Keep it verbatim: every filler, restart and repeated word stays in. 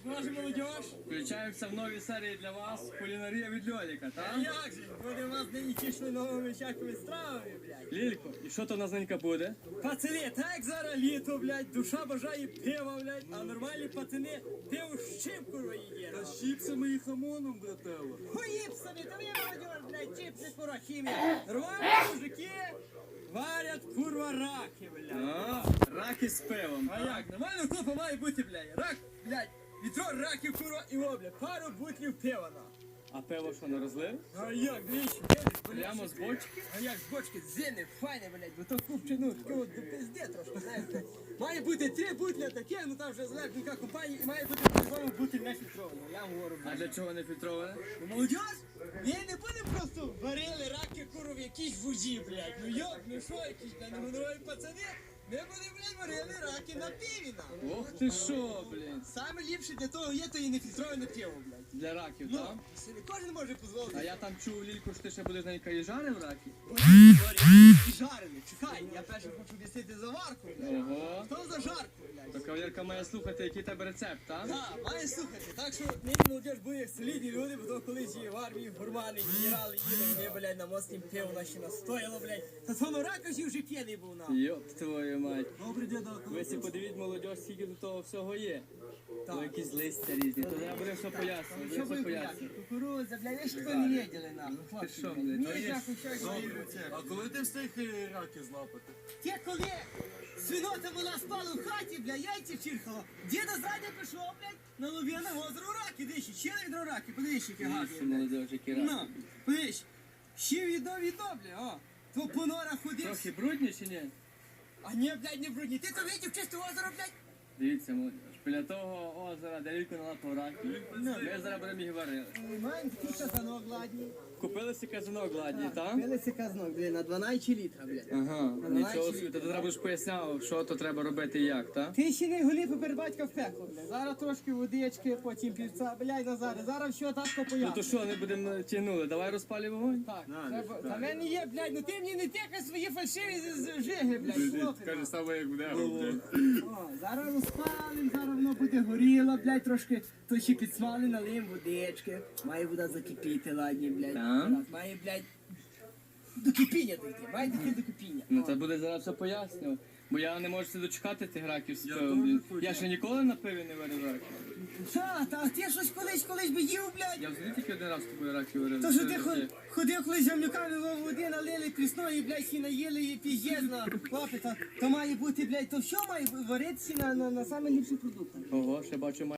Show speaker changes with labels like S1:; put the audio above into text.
S1: наша молодіж.
S2: Включаємося в нові серії для вас. Кулінарія від Льоліка,
S1: А
S2: так?
S1: як же? Буде у вас нині тішли новими всякими стравами, блядь.
S2: Лілько, і що то у нас ненька буде?
S1: Пацани, так зараз літо, блядь, душа бажає пива, блядь, а нормальні пацани пиво з чим, курва, їдять.
S2: Та з чіпсами і хамоном, брателло.
S1: Хуїпсами, та ви, молодіж, блядь, чіпси, курва, хімія. Нормальні мужики варять, курва, раки, блядь.
S2: А, раки з пивом.
S1: А як? Нормально купа має бути, блядь. Рак, блядь, відро раків, курва, і о, блядь, пару бутлів пива, на.
S2: А пиво що, не розлив?
S1: А як, двічі, блядь,
S2: Прямо з бочки?
S1: А як з бочки, зелень, файне, блядь, бо то купче, ну, таке от до пизде трошки, знаєте. Має бути три бутля таке, ну там вже залежно яка компанія, і має бути по-любому бутиль не фільтрований, я вам говорю.
S2: А для чого не фільтроване?
S1: Ну, молодіж, ми не будемо просто варили раки, куру в якійсь воді, блядь. Ну йоп, ну що, якісь, блядь, не гонорові пацани, ми будемо, блядь, варили раки на пиві, на.
S2: Ох ти що, блін.
S1: Саме ліпше для того є, то і не фільтроване пиво, блядь.
S2: Для раків,
S1: Ну,
S2: так?
S1: собі кожен може дозволити.
S2: А я там чув, Лілько, що ти ще будеш ненька і жарив раки?
S1: І жарений, чекай, я перше хочу об'яснити заварку, блядь.
S2: Ого.
S1: Що за жарку, блядь?
S2: То кавалерка має слухати, який тебе рецепт, так?
S1: Так, має слухати, так що нині молодіж буде солідні люди, бо то колись і в армії гурмани, генерали їли, вони, блядь, на моцнім пиво наші настояло, блядь. Та то на ракоші вже п'яний був нам.
S2: Йоп твою мать.
S1: Добрий день,
S2: Ви всі подивіть, молодь, скільки до того всього є.
S1: Так.
S2: То якісь листя різні. То зараз буде все пояснювати,
S1: Що
S2: буде
S1: ви,
S2: все
S1: блядь,
S2: пояснювати.
S1: кукурудза, блядь, ви ж такого не видели, нахуй, хлопці,
S2: що,
S1: блядь.
S2: блядь,
S1: Ні,
S2: то є
S1: нахуй, що ж ви?
S3: А коли ти встиг е, раки злапати?
S1: Ті, коли свинота була спала в хаті, бля, яйця чирхала, діда зрадя пішов, блядь, на Луб'яне озеро раки, дивіться, ще відро раки, подивіться, які гарні,
S2: Дивіться,
S1: блядь.
S2: молодь, які
S1: Ну,
S2: раки.
S1: подивись, ще відно відно, бля, о. То по норах ходив.
S2: Трохи брудні чи ні?
S1: А ні, блядь, не брудні. Ти то видів чисте озеро, блядь?
S2: Дивіться, молодь. Біля того озера, де Лілько налапав раків. Ми зараз будемо їх варили.
S1: Маємо такий казанок гладній.
S2: Купили си казанок гладній, так?
S1: Пилися казанок, блядь, на дванадцять літра, блядь.
S2: Ага,
S1: Давай,
S2: нічого
S1: чи-
S2: собі. Ти треба будеш поясняв, що то треба робити і як, так?
S1: Ти ще не голі поперед батька в пекло, блядь. Зараз трошки водички, потім півця, блядь, Назаре. Зараз все татко
S2: Ну то
S1: поясню.
S2: що, не будемо тягнули? Давай розпалі вогонь.
S1: Так, треба. Та мене є, блядь, ну ти мені не тикай свої фальшиві з- з- жиги, блядь, хлопці.
S3: саме як буде.
S1: О, зараз розпалим, зараз воно буде горіло, блядь, трошки то ще підсмали, налиєм водички. Має вода закипіти, ладні, блядь.
S2: Так.
S1: Зараз Має, блядь, до кипіння дійти, має дійти до кипіння.
S2: Ну
S1: О.
S2: це буде зараз все пояснювати. Бо я не можу дочекати тих раків з
S3: Я
S2: пивом.
S3: теж
S2: блін.
S3: хочу.
S2: Я ще ніколи на пиві не варив раків.
S1: Та, та, ти щось колись, колись би їв, блядь.
S2: Я взагалі тільки один раз з тобою раків варив.
S1: То, що
S2: Це
S1: ти ход-
S2: життя.
S1: ходив колись з гамнюками в води, налили прісної, блядь, всі наїли і піздєзна. Хлопець, то, то має бути, блядь, то що має варитися на, на, на саме ліпші продукти.
S2: Ого, ще бачу,